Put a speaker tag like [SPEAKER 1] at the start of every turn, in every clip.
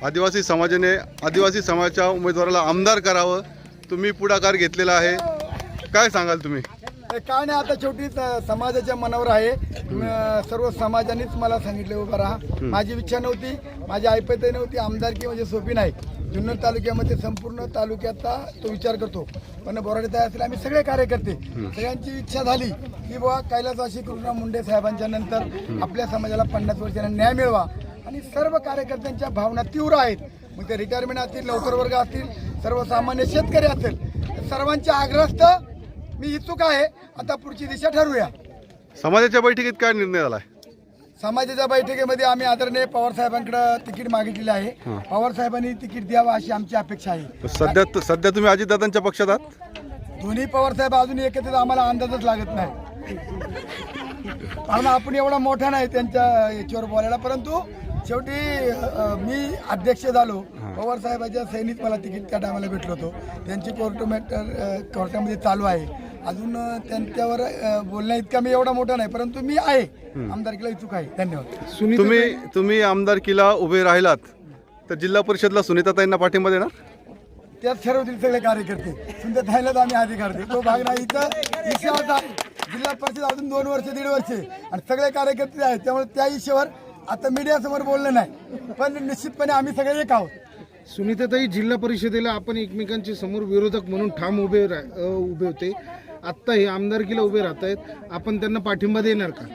[SPEAKER 1] आदिवासी समाजाच्या उमेदवाराला आमदार करावं, तुम्ही पुढाकार घेतलेला आहे, काय सांगाल तुम्ही?
[SPEAKER 2] काय नाही, आता शेवटी समाजाच्या मनावर आहे. सर्व समाजानेच मला सांगितले उभा राहा. माझी इच्छा नव्हती, माझी ऐपतही नव्हती. आमदारकी म्हणजे सोपी नाही. जुन्नर तालुक्यामध्ये संपूर्ण तालुक्याचा तो विचार करतो, पण बोराडे तयार असतील आम्ही सगळे कार्यकर्ते, सगळ्यांची इच्छा झाली की बाबा कैलासवासी कृष्णा मुंडे साहेबांच्या नंतर आपल्या समाजाला 50 वर्षांना न्याय मिळवा. आणि सर्व कार्यकर्त्यांच्या भावना तीव्र आहेत. मग ते रिटायरमेंट असतील, नोकर वर्ग असतील, सर्वसामान्य शेतकरी असेल, सर्वांच्या आग्रहास्त मी इच्छुक आहे. आता पुढची दिशा ठरवूया.
[SPEAKER 1] समाजाच्या बैठकीत काय निर्णय झाला?
[SPEAKER 2] समाजाच्या बैठकीमध्ये आम्ही आदरणीय पवार साहेबांकडे तिकीट मागितलेले आहे. पवार साहेबांनी तिकीट द्यावं अशी आमची अपेक्षा आहे.
[SPEAKER 1] सध्या तुम्ही अजितदादांच्या पक्षात आहात?
[SPEAKER 2] दोन्ही पवार साहेब अजून एकत्रित आम्हाला अंदाजच लागत नाही, कारण आपण एवढा मोठा नाही त्यांच्या याच्यावर बोलायला. परंतु शेवटी मी अध्यक्ष झालो, पवार साहेबांच्या सैनिक मला तिकीट त्या टायमाला भेटलो होतो. त्यांची कोर्टामध्ये चालू आहे. अजून त्यांच्यावर बोलण्या इतका मी एवढा मोठा नाही, परंतु मी आहे आमदारकीला इच्छुक आहे. धन्यवाद.
[SPEAKER 1] तुम्ही आमदारकीला उभे राहिलात तर जिल्हा परिषदला सुनीताताईंना पाठिंबा देणार?
[SPEAKER 2] त्यात ठरवतील सगळे कार्यकर्ते. सुनीताताईंनाच आम्ही अधिकार देतो, तो भाग नाही. इथं विषय होता जिल्हा परिषद अजून 2 वर्ष 1.5 वर्ष आणि सगळे कार्यकर्ते आहेत, त्यामुळे त्या विषयावर आता मीडियासमोर बोललं नाही, पण निश्चितपणे आम्ही सगळे एक आहोत.
[SPEAKER 3] सुनीताताई, जिल्हा परिषदेला आपण एकमेकांच्या समोर विरोधक म्हणून ठाम उभे होते. आत्ता हे आमदारकीला उभे राहत आहेत, आपण त्यांना पाठिंबा देणार का?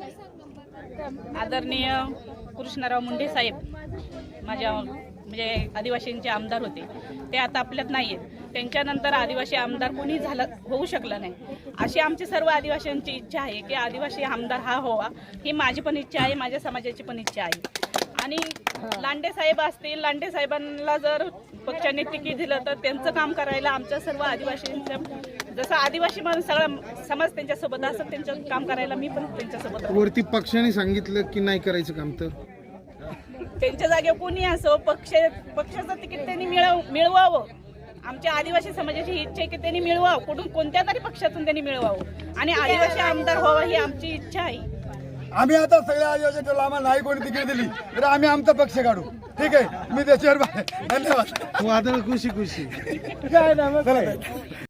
[SPEAKER 4] आदरणीय कृष्णराव मुंडे साहेब माझ्या म्हणजे आदिवासींचे आमदार होते, ते आता आपल्यात नाही आहेत. त्यांच्यानंतर आदिवासी आमदार कोणी होऊ शकलं नाही. अशी आमची सर्व आदिवासींची इच्छा आहे की आदिवासी आमदार हा व्हावा. ही माझी पण इच्छा आहे, माझ्या समाजाची पण इच्छा आहे. आणि लांडे साहेब असतील, लांडे साहेबांना जर पक्षाने तिकीट दिलं तर त्यांचं काम करायला आमच्या सर्व आदिवासींचं, जसं आदिवासी म्हणून सगळा समाज त्यांच्यासोबत असं त्यांचं काम करायला मी पण त्यांच्यासोबत.
[SPEAKER 3] वरती पक्षाने सांगितलं की नाही करायचं काम, तर
[SPEAKER 4] त्यांच्या जागेवर कोणी असो पक्षाचं तिकीट त्यांनी मिळवावं. आमच्या आदिवासी समाजाची इच्छा आहे की त्यांनी मिळवावं, कोणत्या तरी पक्षातून त्यांनी मिळवावं आणि आदिवासी आमदार व्हावा ही आमची इच्छा आहे.
[SPEAKER 2] आम्ही आता सगळ्या आदिवासी आम्हाला नाही कोणी तिकीट दिली तर आम्ही आमचा पक्ष काढू. ठीक आहे, मी त्याच्यावर धन्यवाद.
[SPEAKER 3] वादळ खुशी.
[SPEAKER 2] काय नाही.